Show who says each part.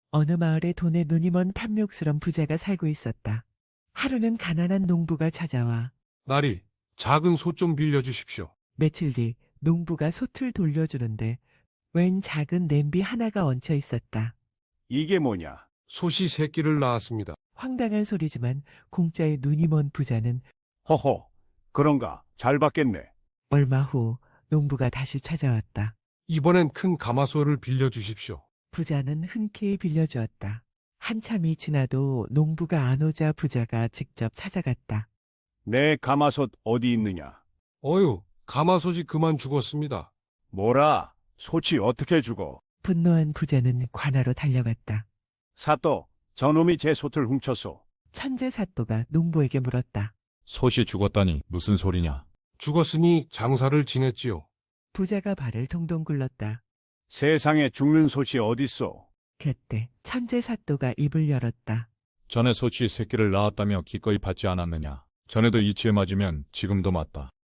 Speaker 1: 어느 마을에 돈에 눈이 먼 탐욕스런 부자가 살고 있었다. 하루는 가난한 농부가 찾아와
Speaker 2: 나리, 작은 소 좀 빌려주십시오.
Speaker 1: 며칠 뒤 농부가 솥을 돌려주는데 웬 작은 냄비 하나가 얹혀 있었다.
Speaker 3: 이게 뭐냐?
Speaker 2: 솥이 새끼를 낳았습니다.
Speaker 1: 황당한 소리지만 공짜에 눈이 먼 부자는
Speaker 3: 허허, 그런가? 잘 받겠네.
Speaker 1: 얼마 후 농부가 다시 찾아왔다.
Speaker 2: 이번엔 큰 가마솥을 빌려주십시오.
Speaker 1: 부자는 흔쾌히 빌려주었다. 한참이 지나도 농부가 안 오자 부자가 직접 찾아갔다.
Speaker 3: 내 가마솥 어디 있느냐?
Speaker 2: 어휴, 가마솥이 그만 죽었습니다.
Speaker 3: 뭐라? 솥이 어떻게 죽어?
Speaker 1: 분노한 부자는 관하로 달려갔다.
Speaker 3: 사또, 저놈이 제 솥을 훔쳤소.
Speaker 1: 천재 사또가 농부에게 물었다.
Speaker 4: 솥이 죽었다니 무슨 소리냐?
Speaker 2: 죽었으니 장사를 지냈지요.
Speaker 1: 부자가 발을 동동 굴렀다.
Speaker 3: 세상에 죽는 솥이 어딨소?
Speaker 1: 그때 천재 사또가 입을 열었다.
Speaker 4: 전에 솥이 새끼를 낳았다며 기꺼이 받지 않았느냐? 전에도 이치에 맞으면 지금도 맞다.